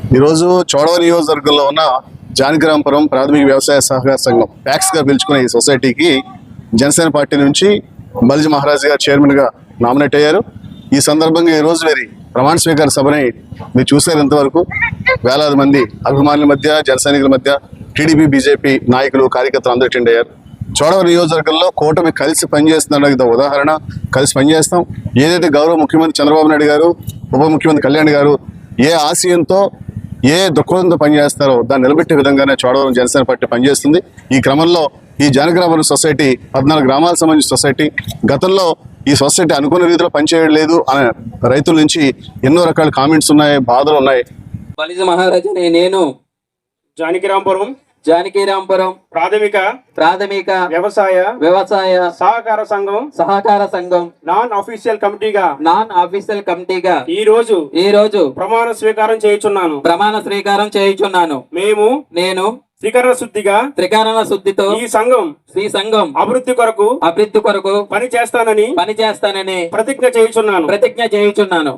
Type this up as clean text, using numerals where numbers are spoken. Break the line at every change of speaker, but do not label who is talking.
ఈరోజు చోడవరం నియోజకవర్గంలో ఉన్న జానకిరాంపురం ప్రాథమిక వ్యవసాయ సహకార సంఘం ప్యాక్స్గా పిలుచుకునే ఈ సొసైటీకి జనసేన పార్టీ నుంచి బల్జీ మహారాజ్ గారు చైర్మన్గా నామినేట్ అయ్యారు. ఈ సందర్భంగా ఈరోజు వీరి ప్రమాణ స్వీకార సభని మీరు చూసారు. ఇంతవరకు వేలాది మంది అభిమానుల మధ్య, జన సైనికుల మధ్య టీడీపీ, బీజేపీ నాయకులు, కార్యకర్తలు అందరూ అటెండ్ అయ్యారు. చోడవరం నియోజకవర్గంలో కూటమి కలిసి పనిచేస్తున్న ఉదాహరణ. కలిసి పనిచేస్తాం. ఏదైతే గౌరవ ముఖ్యమంత్రి చంద్రబాబు నాయుడు గారు, ఉప ముఖ్యమంత్రి కళ్యాణ్ గారు ఏ ఆశయంతో, ఏ దృక్పథంతో పనిచేస్తారో దాన్ని నిలబెట్టే విధంగానే చోడవరం జనసేన పార్టీ పనిచేస్తుంది. ఈ క్రమంలో ఈ జానకిరాంపురం సొసైటీ 14 గ్రామాలకు సంబంధించిన సొసైటీ. గతంలో ఈ సొసైటీ అనుకున్న రీతిలో పనిచేయలేదు అనే రైతుల నుంచి ఎన్నో రకాల కామెంట్స్ ఉన్నాయి, బాధలు ఉన్నాయి.
బలిజ మహారాజు నేను జానకిరాంపురం ప్రాథమిక వ్యవసాయ సహకార సంఘం నాన్ ఆఫీషియల్ కమిటీగా ఈ రోజు ప్రమాణ స్వీకారం చేయుచున్నాను. నేను త్రికరణ శుద్ధితో ఈ సంఘం అభివృద్ధి కొరకు పని చేస్తానని ప్రతిజ్ఞ చేయుచున్నాను.